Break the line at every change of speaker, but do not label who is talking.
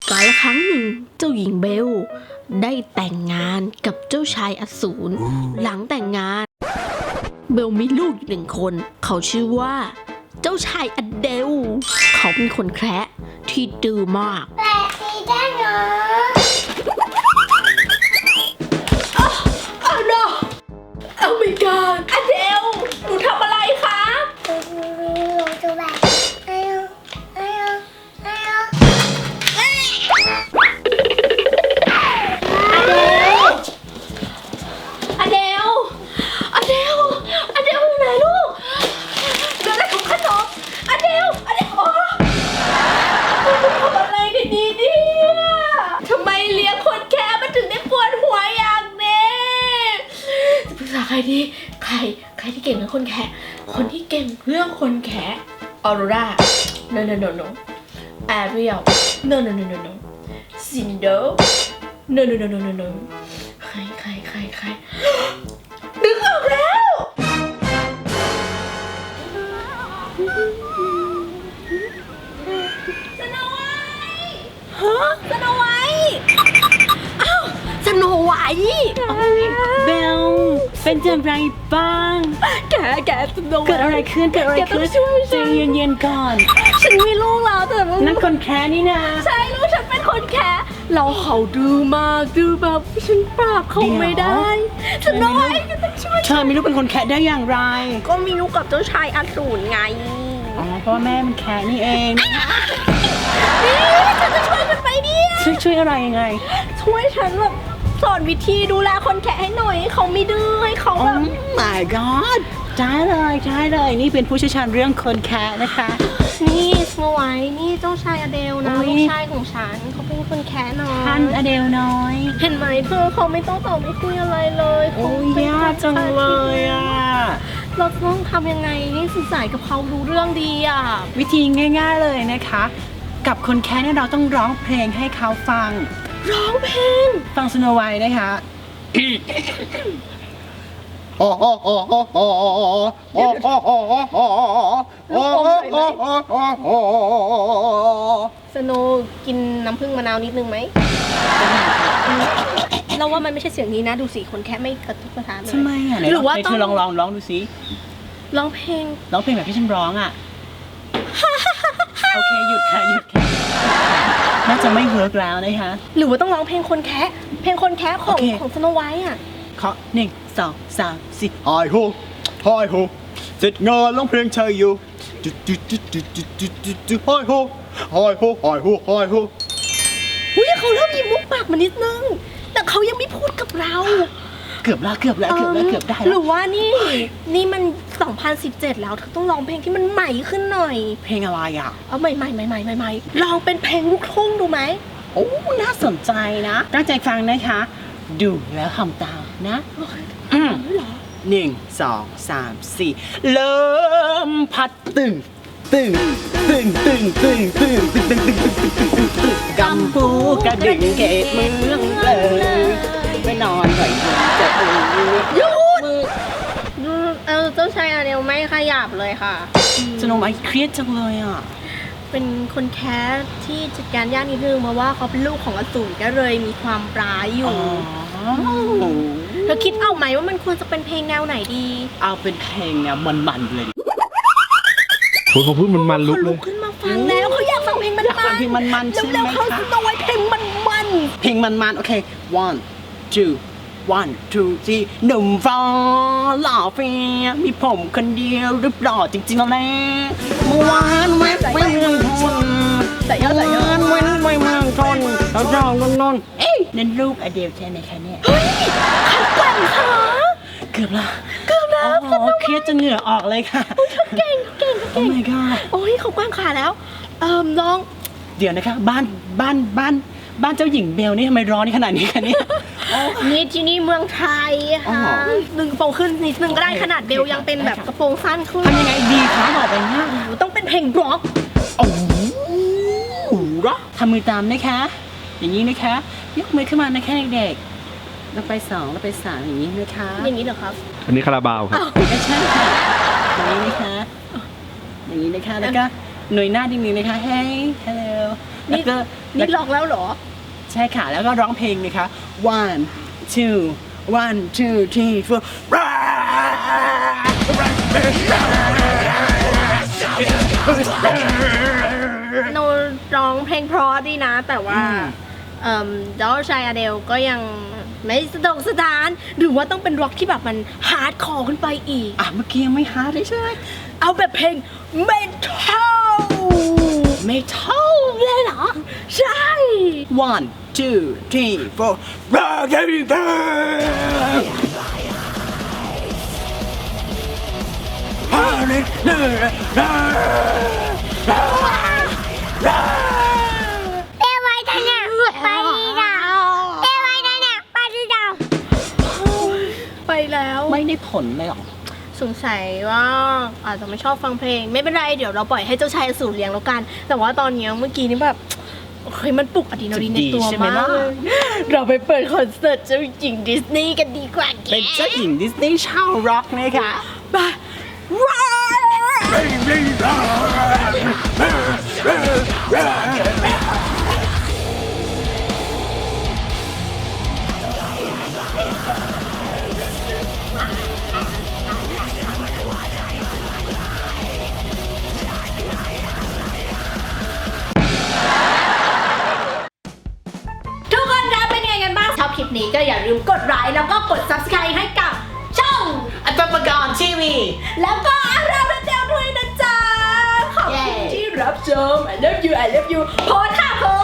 กาลครั้งหนึ่งเจ้าหญิงเบลได้แต่งงานกับเจ้าชายอสูรหลังแต่งงานเบลมีลูกอยู่1 คนเขาชื่อว่าเจ้าชายอเดลเขาเป็นคนแคระที่ดื้อมาก
แต่สีแดงเหรอ
no Oh my god อเดลหนูทำอะไรคะ
จะแบบ
อเดลอยู่ไหนลูกเดี๋ยวได้ถุงขนมอเดลโอ้ทำอะไรดีเนี่ยทำไมเลี้ยงคนแค่มันถึงได้ปวดหัวอย่างนี้จะปรึกษาใครดีใครที่เก่งเรื่องคนแค่คนที่เก่งเรื่องคนแค่ออโรรา no Ariel no Cinder noใครนึกออกแล้วสโนไวท์ฮะสโนไวท์อ้าวสโนไวท์
เบลเป็นอย่างไรบ้าง
แกสโนไวท์
เกิดอะไรขึ้นใจเย็นๆก่อน
ฉันมีลูกแล้วแต่
นั่นคนแค่นี่นะ
ใช่ลูกฉันเป็นคนแค่เราเขาดื้อมากดื้อแบบฉันปราบเขาไม่ได้สโนไวท์ก็ต้องช่วย
เธอมีลูกเป็นคนแค่ได้อย่างไร
ก็มีลูกกับเจ้าชายอสูรไง
อ๋อเพราะว่าแม่มันแค่นี่เอง
นี่ฉันจะช่วยมันไปเนี่ย
ช่วยอะไรยังไง
ช่วยฉันแบบสอนวิธีดูแลคนแค่ให้หน่อยเขาไม่ดื้อให้เขาแบบ
my god ใช่เลยนี่เป็นผู้เชี่ยวชาญเรื่องคนแค่นะคะ
นี่สโนไวท์นี่เจ้าชายอเดลนะลูกชายของฉันเขาเป็นคนแค่น้อย
ท่านอเดลน้อย
เห็นไหมเธอเขาไม่ต้องตอบไม่คุยอะไรเลย
โอ้ยยากจังเลยอ่ะ
เราต้องทำยังไงให้สื่อสารกับเขารู้เรื่องดีอ่ะ
วิธีง่ายๆเลยนะคะกับคนแค่เนี่ยเราต้องร้องเพลงให้เขาฟัง
ร้องเพลง
ฟังสโนไวท์นะคะ
สโนกินน้ำผึ้งมะนาวนิดนึงไหมเราว่ามันไม่ใช่เสียงนี้นะดูสิคนแค่ไม่กระตุกกระทานเลย
ทำไมอ่ะหรือว่าต้องลองดูสิ
ร้องเพลง
แบบที่ฉันร้องอ่ะโอเคหยุดค่ะน่าจะไม่เวิร์กแล้วนะคะ
หรือว่าต้องร้องเพลงคนแคะของสโนไวท์อ่ะ
ขอ1 2 3 4
ไฮโฮเสร็จงานร้องเพลงชายอยู่ไฮโฮ
อุ้ยเขาเริ่มยิ้มมุกปากมานิดนึงแต่เขายังไม่พูดกับเรา
เกือบได้แล้ว
หรือว่านี่มัน2017แล้วเธอต้องร้องเพลงที่มันใหม่ขึ้นหน่อย
เพลงอะไรอ่ะ
เอาใหม่ลองเป็นเพลงลูกทุ่งดูไหม
โอ้น่าสนใจนะตั้งใจฟังนะคะดูแล้วทำตามนะ1 2 3 4เริ่มพัดตึงกำปูกระดึงเกตเมืองเลยไปนอนหน่อยจะ
หยุดเจ้าชายอเดลไม่ขยับเลยค่ะ
สโนไวท์เครียดจังเลยอ่ะ
เป็นคนแค้ที่จัดการยากนิดนึงเพราะว่าเขาเป็นลูกของอสูรก็เลยมีความร้ายอยู่เธอคิดเอาไหมว่ามันควรจะเป็นเพลงแนวไหนดี
เอาเป็นเพลงแนวมันเลย
โอ้เขาพูดมันลุกเลย
ขึ้นมาฟังแล้วเขาอยากฟังเพลงมันใช่ไหมคะเขาต้องไว้เพลง
มันโอเค 1 2 3หนุ่มฟ้าหล่อเฟียมีผมคนเดียวรึเปล่าจริงๆแล้วแหละเมื่อวานแวะไปเมืองชนไปเมืองชนเราจองนนเอ้ยนั่นรูปอเดลใช่ไหมคะเนี่ย
เฮ้ยขันกลั่นขา
เกือบแล้วเครียดจนเหงื่อออกเลยค่ะ
เก่ง
โอ้ my god
โอ้ยเขากว้างขาแล้วลอง
เดี๋ยวนะคะบ้านเจ้าหญิงเบลนี่ทำไมร้อนขนาดนี้คะเนี่ย
นี่ที่นี่เมืองไทยค่ะดึงกระโปรงขึ้นนิดนึงก็ได้ขนาดเบลยังเป็นแบบกระโปรงสั้นขึ้น
ทำยังไงดีคะบอกไปนะ
ต้องเป็นเพลงร็อก
โอ้โหร็อกทำมือตามนะคะอย่างนี้นะคะยกมือขึ้นมานะคะเด็กๆแล้วไป2แล้วไป3อย่างนี้นะคะ
อย่างนี้เหรอครับ
อันนี้คาราบาวครับ
ไม่ใช่ค่ะอย่างนี้นะคะแล้วก็หน่วยหน้าดิ้งๆนะคะ Hey hello
นี่
แล้วก็
ลองแล้วเหรอ
ใช่ค่ะ แล้วก็ร้องเพลงนะคะ one two 3 4
โนร้องเพลงเพราะดีนะ แต่ว่าเจ้าชายอเดลก็ยังไม่สะดวกสถาน หรือว่าต้องเป็นร็อกที่แบบมันฮาร์ดคอร์ขึ้นไปอีก
อ่ะเมื่อกี้ยังไม่ฮาร์ดเลยใช่ไหม
เอาแบบเพลงเมทัล
ไม่เท่าเลยเหรอ
ใช่
one two 3 4
เอ้ไว้ท่านเนี่ยไปดีดาวเอ้ไว้ท่านเนี่ยไปดีดาว
ไปแล้ว
ไม่ได้ผลเลยเหรอ
สงสัยว่าอาจจะไม่ชอบฟังเพลง ไม่เป็นไรเดี๋ยวเราปล่อยให้เจ้าชายอสูรเลี้ยงแล้วกัน แต่ว่าตอนนี้เมื่อกี้นี่แบบเฮ้ยมันปลุกอะดรีนาลีนในตัว
ใช่ไหม
มาก
ล่ะ
เลยเราไปเปิดคอนเสิร์ตเจ้าหญิงดิสนีย์กันดีกว่าแก
เป็นเจ้าหญิงดิสนีย์ชาวร็อกนะคะ
ไปว้าวทุกคนคะเป็นไงกันบ้างชอบคลิปนี้ก็อย่าลืมกดไลค์แล้วก็กด subscribe ให้กับช่อง
อัตปกรณ์ทีวี
แล้วก็อาราเดลด้วยนะจ๊ะ ขอบคุณที่รับชม I love you โพสต์ค่ะโพส